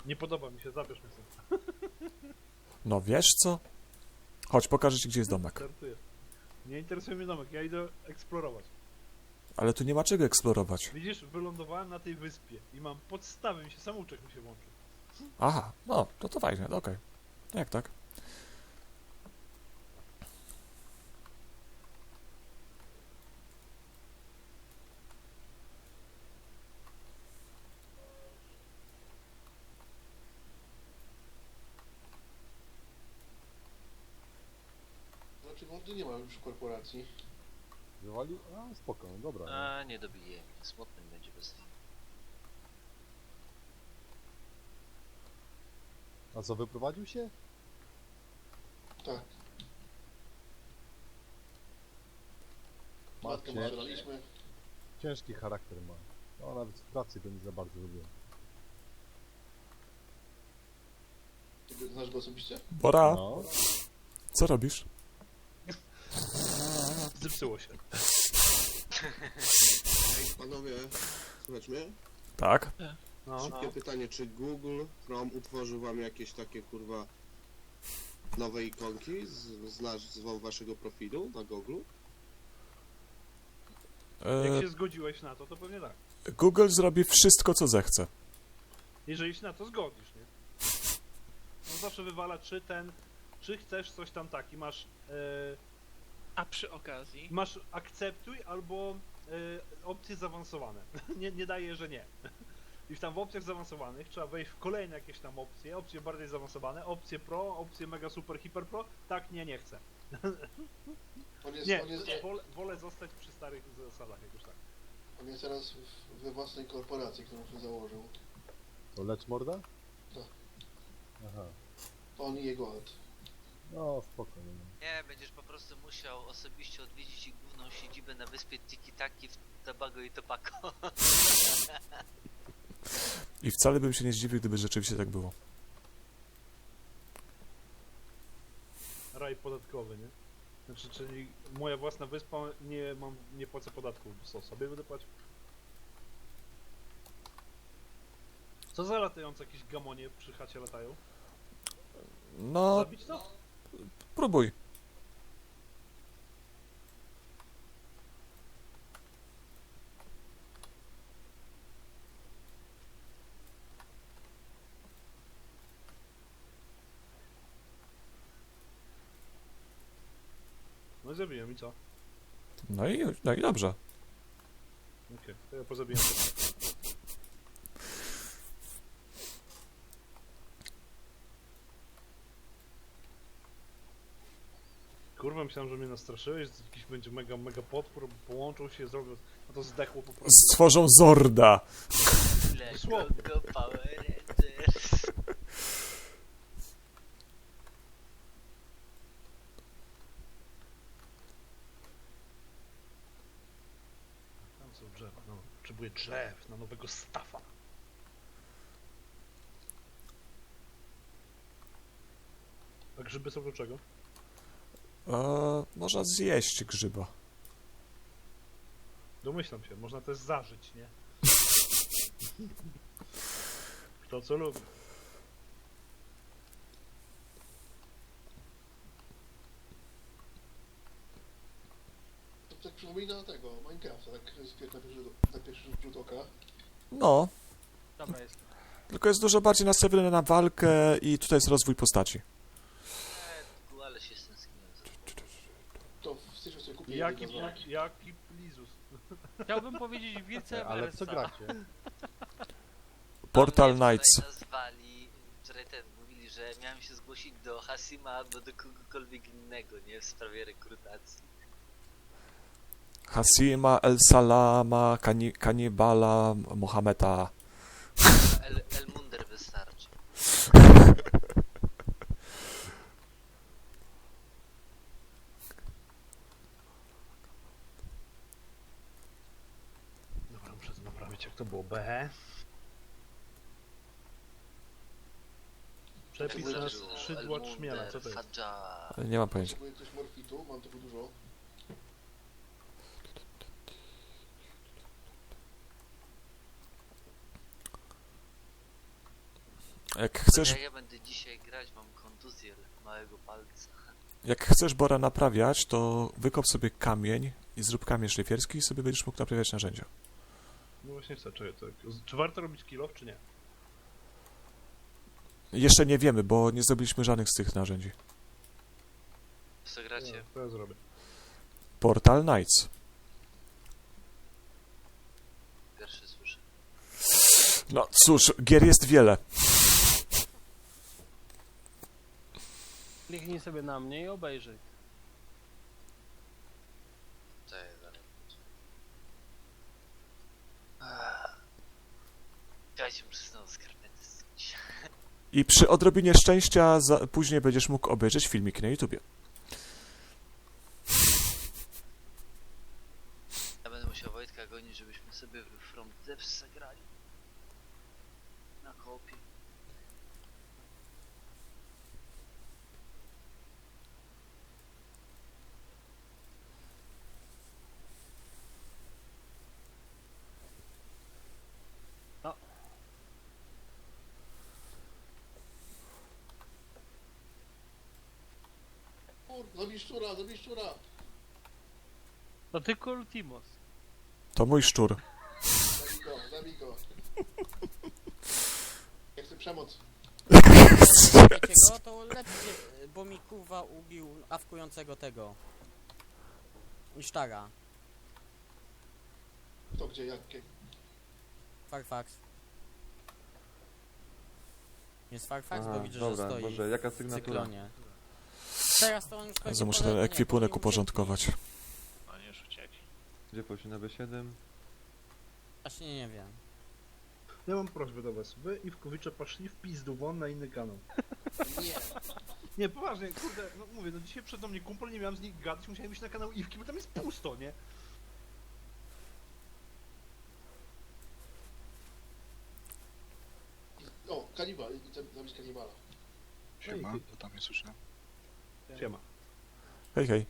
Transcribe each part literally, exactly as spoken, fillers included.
Nie podoba mi się, zabierz mnie sobie. No wiesz co? Chodź, pokażę ci, gdzie jest domek. Startuję. Nie interesuje mnie domek, ja idę eksplorować. Ale tu nie ma czego eksplorować. Widzisz, wylądowałem na tej wyspie i mam podstawy, mi się samouczek mi się włączył. Aha, no, to to fajnie, no okej. No jak tak? Dlaczego on tu nie ma już w korporacji? Wywalił? A, spoko, no dobra. No. A, nie dobiję. Smutny będzie bez tego. A co, wyprowadził się? Tak. Matkę Macie. strzelaliśmy. Ciężki charakter ma. No, nawet w pracy go nie za bardzo lubię. Ty znasz go osobiście? Bora, No, co robisz? Zepsuło się. Ej, panowie, słuchajcie mnie? Tak? No. Szybkie pytanie, czy Google Chrome utworzył wam jakieś takie, kurwa, nowe ikonki z, z nazwą waszego profilu na Google? Jak E, się zgodziłeś na to, to pewnie tak. Google zrobi wszystko, co zechce. Jeżeli się na to zgodzisz, nie? No zawsze wywala, czy ten, czy chcesz coś tam taki, masz, e, A przy okazji, masz akceptuj albo e, opcje zaawansowane. nie, nie daje, że nie. I w tam w opcjach zaawansowanych trzeba wejść w kolejne jakieś tam opcje, opcje bardziej zaawansowane, opcje pro, opcje mega super hiper pro, tak nie, nie chcę. On jest, Nie, on jest, wolę, wolę zostać przy starych zasadach jakoś tak. on jest teraz w, we własnej korporacji, którą się założył. to lecz morda? Tak. Aha. On i jego ojciec. No, spoko. No. Nie, będziesz po prostu musiał osobiście odwiedzić ich główną siedzibę na wyspie Tiki-Taki w Tobago i Tobacco. I wcale bym się nie zdziwił, gdyby rzeczywiście tak było. Raj podatkowy, nie? Znaczy, czyli moja własna wyspa, nie mam, nie płacę podatków, co sobie będę płacił? Co za latające jakieś gamonie przy chacie latają? No, Zabić to? próbuj. No i zabiłem i co? No i, no i dobrze. Okej, to ja pozabiję. Kurwa, myślałem, że mnie nastraszyłeś, że jakiś będzie mega, mega potwór, połączą się, zrobią, a to zdechło po prostu. Stworzą Zorda. Lego Dosłownie. go Power Rangers. Tam są drzewa, no, potrzebuję drzew na nowego stafa. A grzyby są do czego? E, można zjeść grzyba. Domyślam się, można też zażyć, nie? Kto co lubi. To tak przypomina tego, Minecrafta, tak z na pierwszy, na pierwszy rzut oka. No, dobra jest. tylko jest dużo bardziej nastawiony na walkę i tutaj jest rozwój postaci. Eee, ale się stęskniłem za tym. To w styczniu sobie kupię Jaki, jednego z nich. jaki, jaki plizus. Chciałbym powiedzieć vice Ale w co versa. gracie? Portal A mnie Knights. wczoraj nazwali, wczoraj ten, mówili, że miałem się zgłosić do Hasima albo do kogokolwiek innego, nie? W sprawie rekrutacji. Hasima, El Salama, kani Kanibala, Mohameda. El, El Munder wystarczy. Dobra, muszę to naprawić, jak to było. B. Przepis na El skrzydła Munder, trzmiela, co to jest? Fadża. Nie mam pojęcia. Potrzebuję ktoś morfitu, mam tego dużo. Jak chcesz, Jak ja będę dzisiaj grać, mam kontuzję małego palca. jak chcesz Bora naprawiać, to wykop sobie kamień i zrób kamień szlifierski i sobie będziesz mógł naprawiać narzędzia. No właśnie chcę, czy, to, czy warto robić kilof, czy nie? Jeszcze nie wiemy, bo nie zrobiliśmy żadnych z tych narzędzi. Co gracie? No, to ja zrobię. Portal Knights. Pierwszy słyszę. No cóż, gier jest wiele. Kliknij sobie na mnie i obejrzyj. To jest dalej. Dajcie mi przysnąć skarpety zdjąć. I przy odrobinie szczęścia za, później będziesz mógł obejrzeć filmik na YouTubie. Ja będę musiał Wojtka gonić, żebyśmy sobie w From Depths zagrali. Na kopie. Kur, zabij szczura, zabij szczura. To tylko Ultimos. To mój szczur. Zabij go, zabij go. Ja chcę przemoc. Wiecie go, to lepiej, bo mi kurwa ubił awkującego tego. Isztara. To gdzie, jakie? Farfax. Jest Farfax, Aha, bo widzę, dobra, że stoi Boże, jaka w sygnatura? cyklonie. Teraz to on już Ja pewnie muszę polega, ten nie, ekwipunek powinien uporządkować. No nie uciekli. Gdzie poszli na B siedem? Właśnie nie wiem. Ja mam prośbę do was. Wy i Wkowicze poszli w pizdu won na inny kanał. Nie. Nie, poważnie, kurde, no mówię, no dzisiaj przed mnie kumpel, nie miałem z nich gadać, musiałem iść na kanał Iwki, bo tam jest pusto, nie? O, kanibal, chcę zabić kanibala. Siema, to tam nie słyszę. Siema. Hej, hej.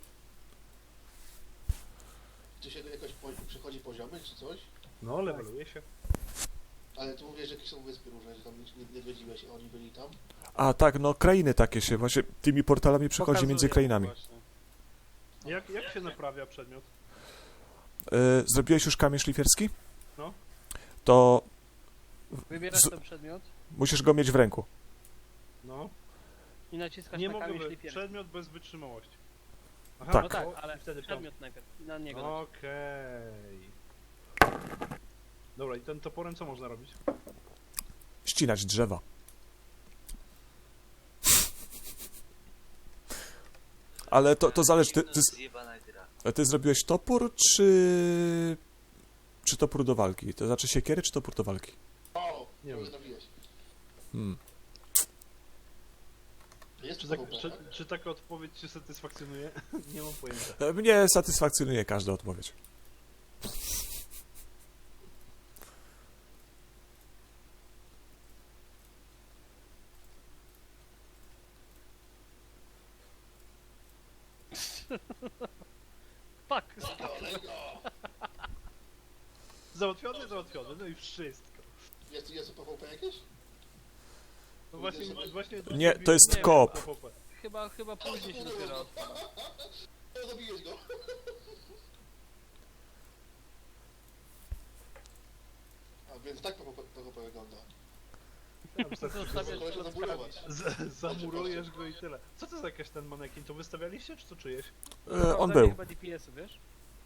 Czy się jakoś po, przechodzi poziomy, czy coś? No, leveluje się. Ale tu mówisz, że jakieś są wyspy różne, że tam nie, nie zwiedziłeś, a oni byli tam. A tak, no krainy takie się właśnie tymi portalami przechodzi Pokazuję między krainami. właśnie. Jak, jak się naprawia przedmiot? Yy, zrobiłeś już kamień szlifierski? No. To Wybierasz Z- ten przedmiot musisz go mieć w ręku. No. i naciskasz Nie na mogę, kamień wy- szlifierski. przedmiot bez wytrzymałości. Aha, Tak. No tak, o, ale i wtedy to. przedmiot najpierw. Na niego. Okej. Dobra, i ten toporem co można robić? Ścinać drzewa. Ale to, to zależy, ty, ty, Zjebana gra. ty zrobiłeś topór, czy... czy topór do walki? To znaczy siekiery, czy topór do walki? O, Nie nie wiem. trafiłeś. Hmm. Jest Czy, czy, tak, czy, czy taka odpowiedź cię satysfakcjonuje? Nie mam pojęcia. E, Mnie satysfakcjonuje każda odpowiedź. Fuck! Załatwiony, załatwiony, no i wszystko. Jest, jest PvP jakieś? No właśnie, właśnie... Nie, to jest nie, koop. P V P. Chyba, chyba później się dopiero odpala. O, zabiłeś go. A więc tak PvP, PvP wygląda. Ja wystarczy, Zostawiasz Kolesia klocka. zamurować. z- zamurujesz go i tyle. Co to za jakaś ten manekin? To wystawialiście, czy to czyjeś? E, on Sprawdzanie był. chyba D P S-y, wiesz?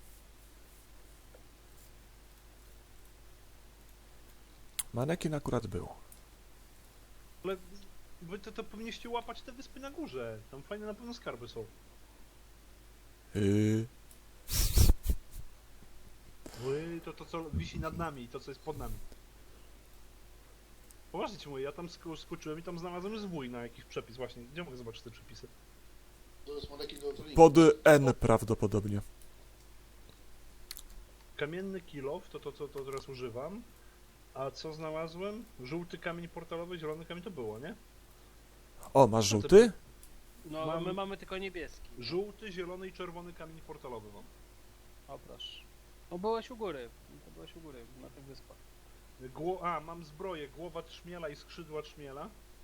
Manekin akurat był. Ale wy to, to powinniście łapać te wyspy na górze. Tam fajne na pewno skarby są. Yy, Wy, to to co wisi nad nami i to co jest pod nami. Poważnie ci mówię, ja tam sk skoczyłem i tam znalazłem zwój na jakiś przepis właśnie. Gdzie mogę zobaczyć te przepisy? To jest manekin do trollingu. pod N prawdopodobnie. Kamienny kilof, to to co to teraz używam. A co znalazłem? Żółty kamień portalowy, zielony kamień to było, nie? O, masz żółty? No, Mam- my mamy tylko niebieski. Żółty, zielony i czerwony kamień portalowy mam. O, proszę. No byłeś u góry. To byłeś u góry, na tych wyspach. Gło a, mam zbroję, głowa trzmiela i skrzydła trzmiela.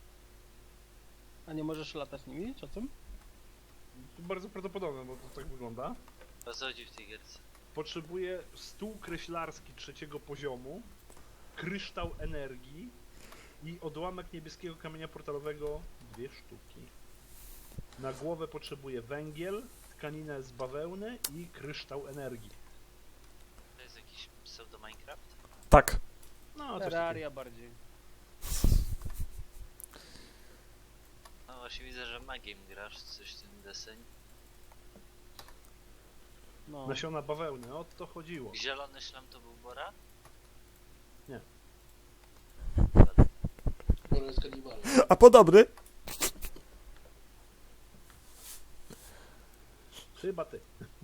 A nie możesz latać nimi, czy co? Bardzo prawdopodobne, bo to tak wygląda. O co chodzi w tej gierce? Potrzebuję stół kreślarski trzeciego poziomu, kryształ energii i odłamek niebieskiego kamienia portalowego dwie sztuki. Na głowę potrzebuję węgiel, tkaninę z bawełny i kryształ energii. To jest jakiś pseudo Minecraft? Tak. No, coś takiego. Terraria bardziej. No właśnie widzę, że magiem grasz, coś w tym deseń. No. Nasiona bawełny, o to chodziło. Zielony szlam to był Bora? Bora jest kanibalem. A podobny? Chyba ty.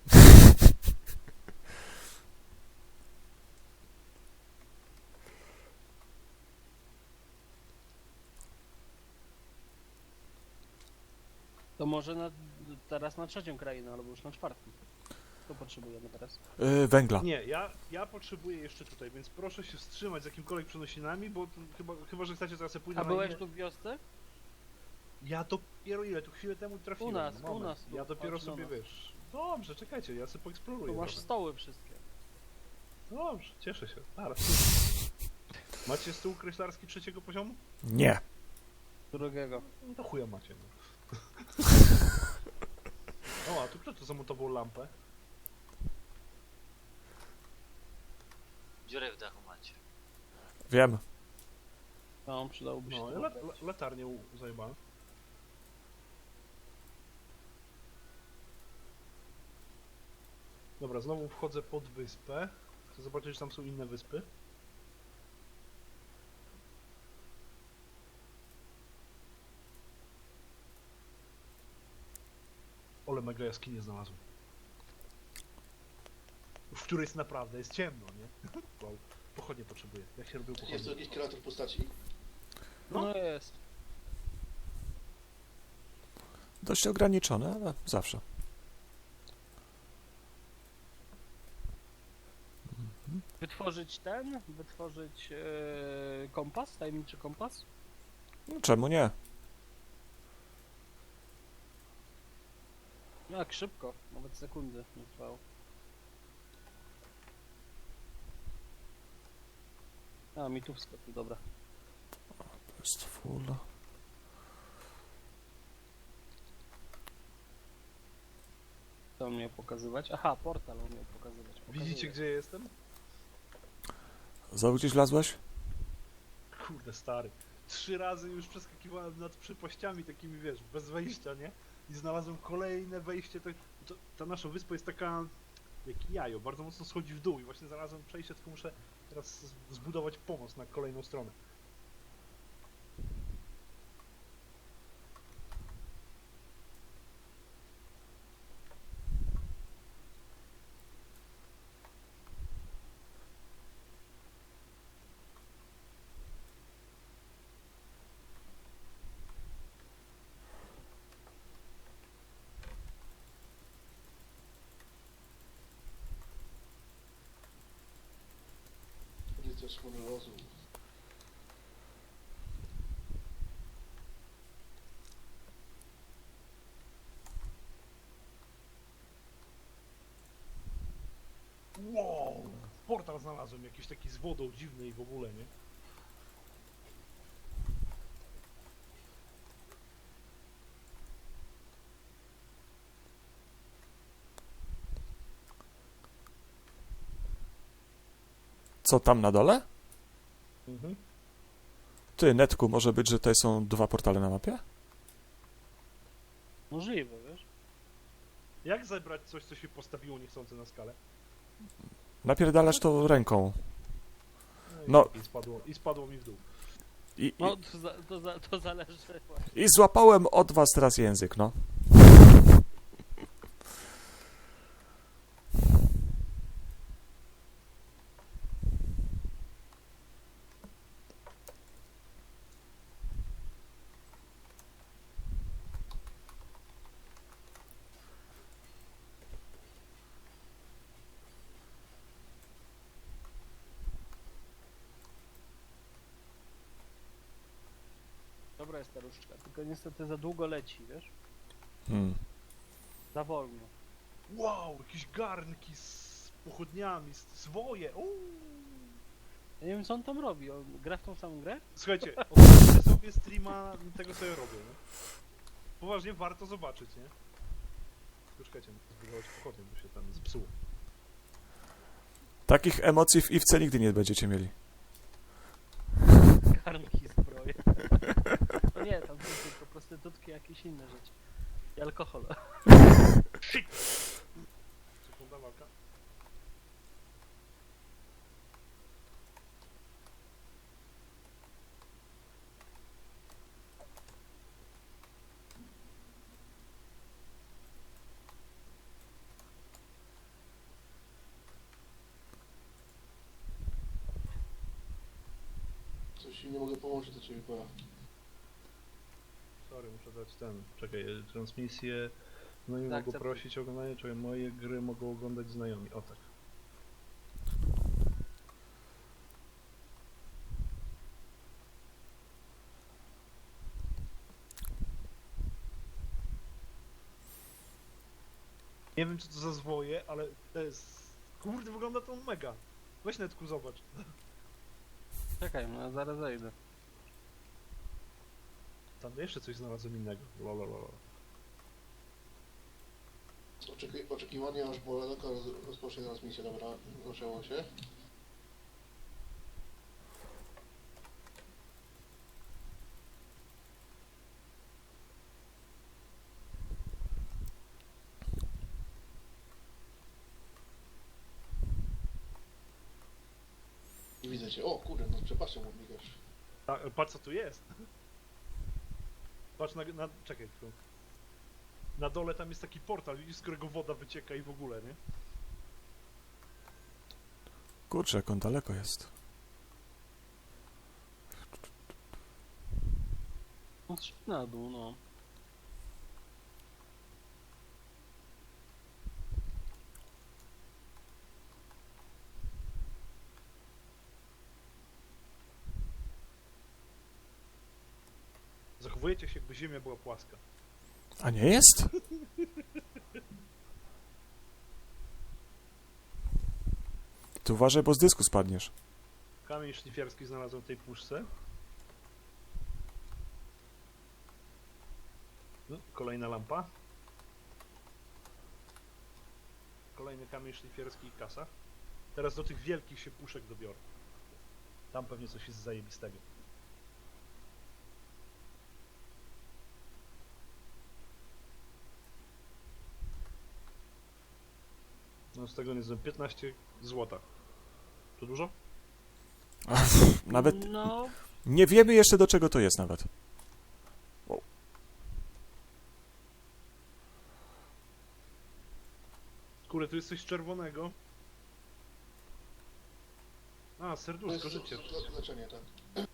To może na, teraz na trzecią krainę, albo już na czwartą. To potrzebujemy teraz. Yy, węgla. Nie, ja, ja potrzebuję jeszcze tutaj, więc proszę się wstrzymać z jakimkolwiek przenosinami, bo tu chyba, chyba, że chcecie, to ja sobie pójdę A na byłeś inne... tu w wiosce? Ja dopiero ile, tu chwilę temu trafiłem. U nas, u moment. nas tu, Ja dopiero chodź do sobie, nas. wiesz... Dobrze, czekajcie, ja sobie Tu poeksploruję. masz trochę. stoły wszystkie. Dobrze, cieszę się. Zaraz. Macie stół kreślarski trzeciego poziomu? Nie. Drugiego. No to chuja macie, no. O, a tu kto to zamontował lampę? Dziurę w dachu macie. Wiem. No, przydałoby się No, to la, obrać. la, latarnię u- zajebałem. Dobra, znowu wchodzę pod wyspę. Chcę zobaczyć, czy tam są inne wyspy. Ole, mega jaskinię znalazłem. W której jest naprawdę, jest ciemno, nie? Wow. Pochodnie potrzebuję. Jak się robił Jest to pochodnie? jakiś kreator postaci? No. No jest. Dość ograniczone, ale zawsze. Wytworzyć ten, wytworzyć e, kompas, tajemniczy kompas. No, czemu nie? Jak szybko, nawet sekundy nie trwało. A, mi tu wskoczył, dobra. To jest full. Co on miał pokazywać? Aha, portal on miał pokazywać. Pokazuje. Widzicie, gdzie jestem? Znowu gdzieś wlazłeś? Kurde, stary. Trzy razy już przeskakiwałem nad przepaściami takimi, wiesz, bez wejścia, nie? I znalazłem kolejne wejście. To, to, ta nasza wyspa jest taka jak jajo, bardzo mocno schodzi w dół i właśnie znalazłem przejście, tylko muszę teraz z- zbudować pomost na kolejną stronę. Rycerz honorozu. Wow! Portal znalazłem jakiś taki z wodą dziwny i w ogóle, nie? Co tam na dole? Mhm. Ty, Netku, może być, że tutaj są dwa portale na mapie? Możliwe, wiesz? Jak zebrać coś, co się postawiło niechcący na skalę? Napierdalasz to ręką. i- No. I spadło, i spadło mi w dół. I, i, No, to, za, to, za, to zależy właśnie. I złapałem od was teraz język, no. Dobra, dobra jest ta różdżka, tylko niestety za długo leci, wiesz? Hmm. Za wolno. Wow, jakieś garnki z pochodniami, z zwoje. Uuu. Ja nie wiem co on tam robi, on gra w tą samą grę? Słuchajcie, obejrzyjcie sobie streama tego, co ja robię, nie? Poważnie, warto zobaczyć, nie? Tylko czekajcie, muszę zbudować pochodnie, bo się tam zepsuło. Takich emocji w Iwce nigdy nie będziecie mieli. Garnki, zbroje. No nie, tam są tylko prostytutki, jakieś inne rzeczy. I alkohol. Sekunda, walka. Coś ci nie mogę połączyć do ciebie, pora. Sorry, muszę dać ten, czekaj, e, transmisję. No i mogą akceptuj. prosić o oglądanie, czekaj, moje gry mogą oglądać znajomi, o tak. Nie wiem co to za zwoje, ale to jest... Kurde, wygląda to mega. Weź netku, zobacz. Czekaj, no zaraz zejdę. Tam jeszcze coś znalazłem innego. Lololol. Oczeki oczekiwanie aż Boledoka roz rozpocznie transmisję, dobra, zaczęło się. I widzę cię. O kurde, no przepraszam, migasz. A, patrz co tu jest. Patrz na, na... czekaj chwilę. Na dole tam jest taki portal, widzisz, z którego woda wycieka i w ogóle, nie? Kurczę, jak on daleko jest. No trzy na dół, no. Zachowujecie się, jakby ziemia była płaska. A nie jest? Ty uważaj, bo z dysku spadniesz. Kamień szlifierski znalazłem w tej puszce. No, kolejna lampa. Kolejny kamień szlifierski i kasa. Teraz do tych wielkich się puszek dobiorę. Tam pewnie coś jest zajebistego. No z tego nie znam, piętnaście złota. To dużo? Ach, nawet No, nie wiemy jeszcze do czego to jest nawet. Kurde, tu jest coś czerwonego. A, To serduszko, jest życie. le le leczenie, tak.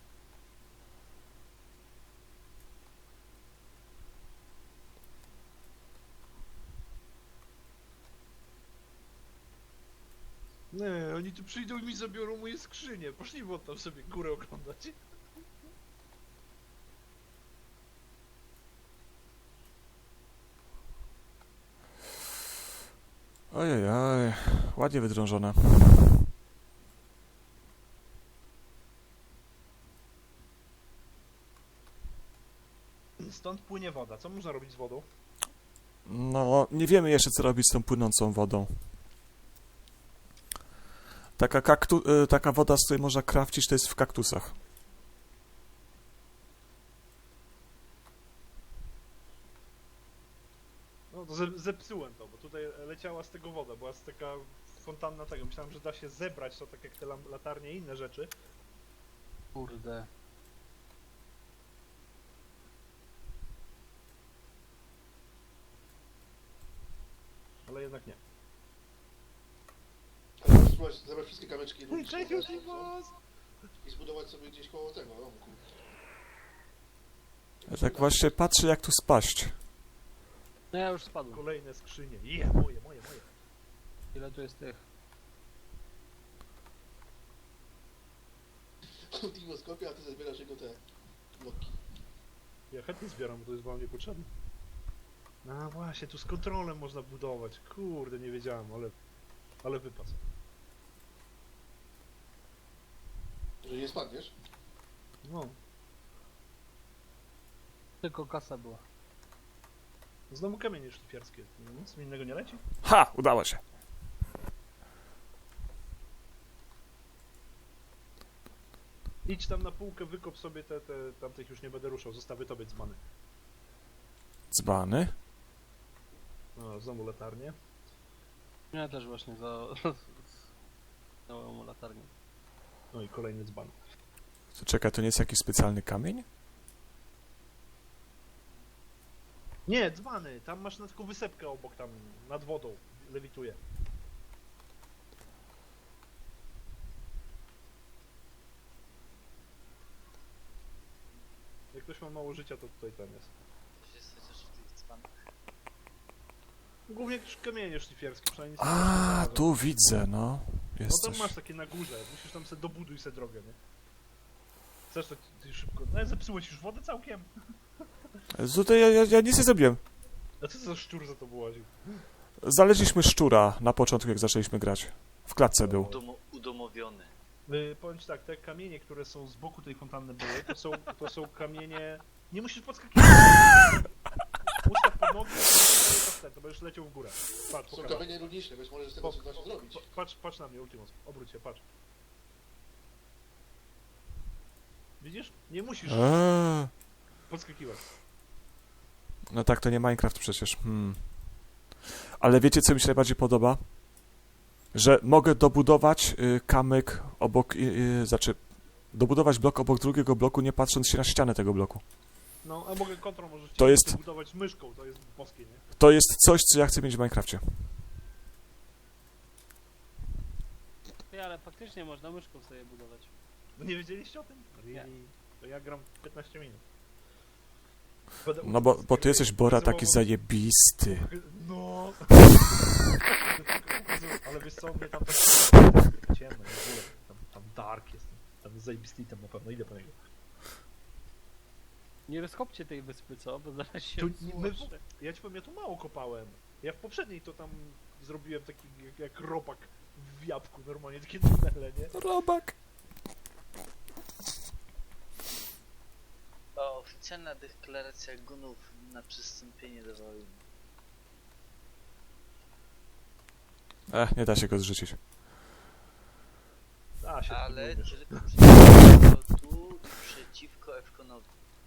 Nie, oni tu przyjdą i mi zabiorą moje skrzynie. Poszli won tam sobie górę oglądać. Ojej, oj, ładnie wydrążone. Stąd płynie woda. Co można robić z wodą? No, nie wiemy jeszcze co robić z tą płynącą wodą. Taka, kaktu, y, taka woda, z której można crafcić, to jest w kaktusach. No to ze- zepsułem to, bo tutaj leciała z tego woda, była z taka fontanna tego. Myślałem, że da się zebrać to tak jak te lam- latarnie i inne rzeczy. kurde. Ale jednak nie. Ale możesz spróbować zebrać wszystkie kamyczki Ej, cześć, lubisz, Josimos! i zbudować sobie gdzieś koło tego domku. Ja tak właśnie patrzę jak tu spaść. No ja już spadłem. Kolejne skrzynie. Je, moje, moje, moje. Ile tu jest tych? Timo skopie, a ty zbierasz jego te bloki. Ja chętnie zbieram, bo to jest wam niepotrzebne. No właśnie, tu z kontrolem można budować. Kurde, nie wiedziałem, ale... Ale wypas. Że nie spadniesz? No, Tylko kasa była. znowu kamienie szlifierskie. Nic mi innego nie leci? Ha! Udało się. Idź tam na półkę, wykop sobie te, te... Tamtych już nie będę ruszał, zostawię tobie dzbany. Dzbany. No, znowu latarnie. Ja też właśnie za... Dałem mu latarnię. No i kolejny dzban. To czekaj, to nie jest jakiś specjalny kamień? Nie, dzbany! Tam masz na taką wysepkę obok, tam, nad wodą. Lewituje. Jak ktoś ma mało życia, to tutaj ten jest. Coś jest chociaż w tych dzbanach. Głównie jakieś kamienie szlifierskie, przynajmniej nic nie A, znalazłem. tu widzę, no. No Jest tam coś. masz takie na górze, musisz tam sobie dobuduj sobie drogę, nie? Chcesz to ty szybko... No zepsułeś już wodę całkiem? Tutaj ja, ja, ja nic nie zrobiłem. A co to za szczur za to łaził? Znaleźliśmy szczura na początku, jak zaczęliśmy grać. W klatce był. Udomo udomowiony. Yy, powiem ci tak, te kamienie, które są z boku tej fontanny były, to są, to są kamienie... Nie musisz podskakiwać! Ustaw pod nogi, to, to będziesz leciał w górę. Patrz, Są pokażę. kamienie runiczne, więc możesz z tego coś właśnie zrobić. Pa- Patrz, patrz na mnie, Ultimus. Obróć się, patrz. Widzisz? Nie musisz Eee. podskakiwać. No tak, to nie Minecraft przecież. Hmm. Ale wiecie, co mi się najbardziej podoba? Że mogę dobudować y, kamyk obok... Y, y, znaczy, dobudować blok obok drugiego bloku, nie patrząc się na ścianę tego bloku. No, a mogę kontrol możesz To jest- budować myszką, to jest boskie, nie? To jest coś, co ja chcę mieć w Minecrafcie. Ty, ale faktycznie można myszką sobie budować. No nie wiedzieliście o tym? Nie. Really? To ja gram piętnaście minut. Będę No bo, uczył bo ty z jesteś, gry. Bora, taki Znowu- zajebisty. No. Ale wiesz co, mnie tam tak ciemno w ogóle. Tam, tam dark jest. Tam jest zajebisty tam na pewno, idę po niego. Nie rozkopcie tej wyspy, co? Bo zaraz się Tu, my, złożę. ja ci powiem, ja tu mało kopałem. Ja w poprzedniej to tam zrobiłem taki jak, jak ropak w jabłku, normalnie takie tunele, nie? Robak. O, oficjalna deklaracja gunów na przystąpienie do wojny. E, nie da się go zrzucić. A, się Ale tu tylko przeciwko tu i przeciwko Efkonowi.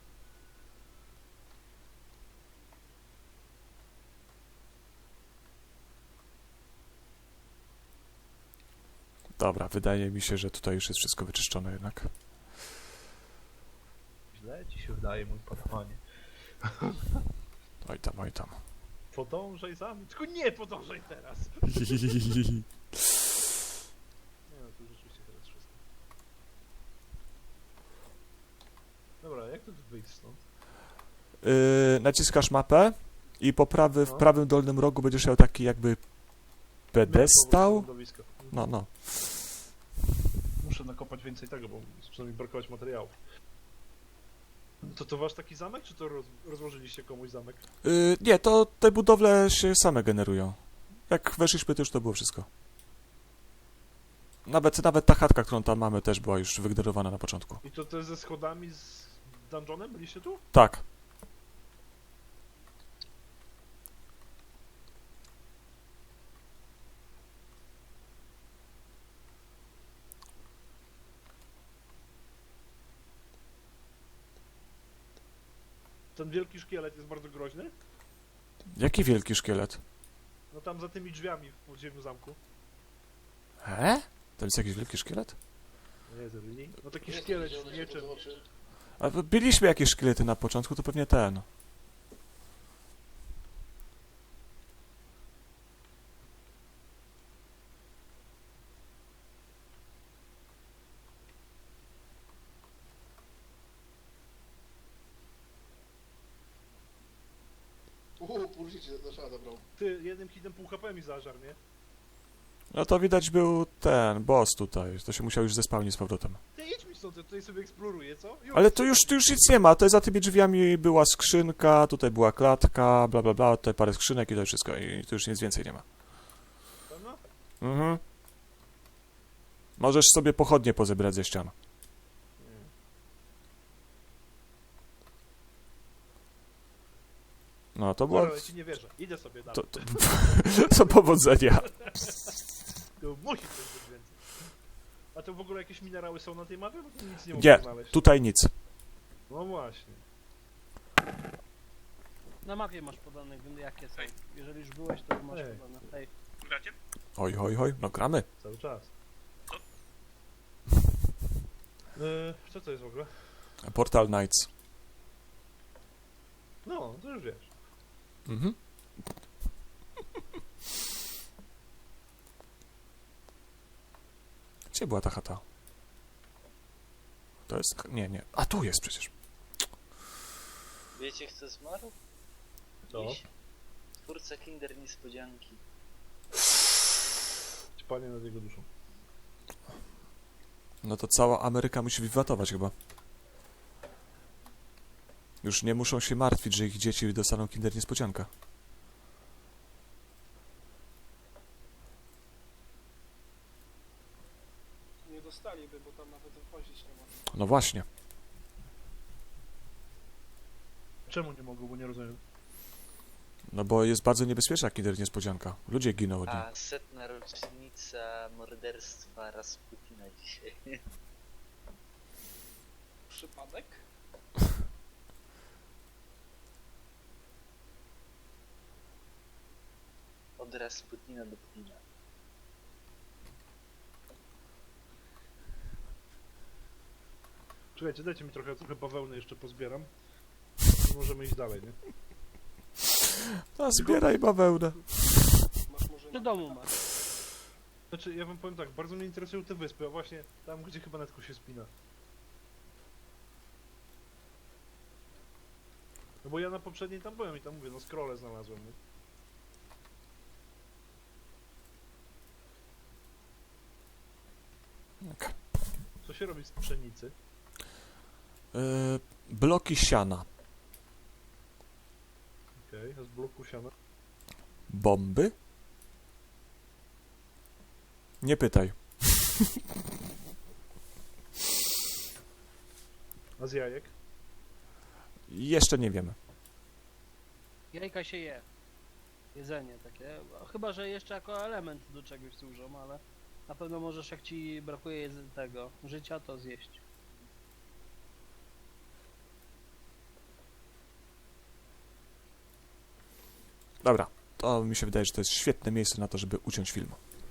Dobra, wydaje mi się, że tutaj już jest wszystko wyczyszczone jednak. źle ci się wydaje, mój panowanie. Oj tam, oj tam. Podążaj za mną, tylko nie podążaj teraz! Nie no, tu rzeczywiście teraz wszystko. Dobra, jak to tu wyjść stąd? Yy, naciskasz mapę i po prawy, w No. prawym dolnym rogu będziesz miał taki jakby pedestał. Lądowisko. No, no. Muszę nakopać więcej tego, bo zaczyna mi brakować materiałów. To to wasz taki zamek, czy to roz, rozłożyliście komuś zamek? Yy, nie, to te budowle się same generują. Jak weszliśmy, to już to było wszystko. Nawet, nawet ta chatka, którą tam mamy, też była już wygenerowana na początku. I to, to ze schodami z dungeonem? Byliście tu? Tak. Ten wielki szkielet jest bardzo groźny? Jaki wielki szkielet? No tam za tymi drzwiami w podziemiu zamku. He? To jest jakiś wielki szkielet? Nie, really? No taki Jest szkielet zielone z światło mieczem. z oczy. A byliśmy jakieś szkielety na początku, to pewnie ten. Uuu, pół życia na szala zabrał. Ty, jednym hitem pół H P mi zażar, nie? No to widać był ten boss tutaj. To się musiał już zespałnić z powrotem. Ty idź mi stąd, ja tutaj sobie eksploruję, co? Już. Ale tu już, tu już nic nie ma. Tutaj za tymi drzwiami była skrzynka, tutaj była klatka, bla bla bla, tutaj parę skrzynek i to wszystko. I tu już nic więcej nie ma. Pewno? Mhm. Możesz sobie pochodnie pozebrać ze ścian. Nie. No to było... Dobra, ja ci nie wierzę. Idę sobie dalej. To, to, to powodzenia. To musi coś być więcej. A to w ogóle jakieś minerały są na tej mapie? Bo tu nic nie Nie, mogę znaleźć. tutaj nic. No właśnie. Na mapie masz podane, jakie są. Jeżeli już byłeś, to masz Ej. podane. Hej. Gracie? Oj, oj, oj, no gramy. Cały czas. Yy, co to jest w ogóle? Portal Knights. No, to już wiesz. Mhm. Gdzie była ta chata? To jest... Nie, nie. A tu jest przecież. Wiecie kto zmarł? Co? Dziś? Twórca Kinder Niespodzianki. Panie nad jego duszą. No to cała Ameryka musi wiwatować chyba. Już nie muszą się martwić, że ich dzieci dostaną Kinder Niespodzianka. Nie dostaliby, bo tam nawet wchodzić nie ma. No właśnie. Czemu nie mogą, bo nie rozumiem. No bo jest bardzo niebezpieczna Kinder Niespodzianka. Ludzie giną od niej. A setna rocznica morderstwa Rasputina dzisiaj. Przypadek? Od Rasputina do Putina. Czekajcie, dajcie mi trochę, trochę bawełny jeszcze pozbieram. I możemy iść dalej, nie? A zbieraj bawełnę. Masz może Przy domu masz. Znaczy, ja wam powiem tak, bardzo mnie interesują te wyspy, a właśnie tam, gdzie chyba netko się spina. No bo ja na poprzedniej tam byłem i tam mówię, no scrolle znalazłem, nie? Tak. Co się robi z pszenicy? Yy, bloki siana. Okej, okay, a z bloku siana? Bomby? Nie pytaj. A z jajek? Jeszcze nie wiemy. Jajka się je. Jedzenie takie. Chyba, że jeszcze jako element do czegoś służą, ale na pewno możesz, jak ci brakuje jedz- tego życia, to zjeść. Dobra, to mi się wydaje, że to jest świetne miejsce na to, żeby uciąć film.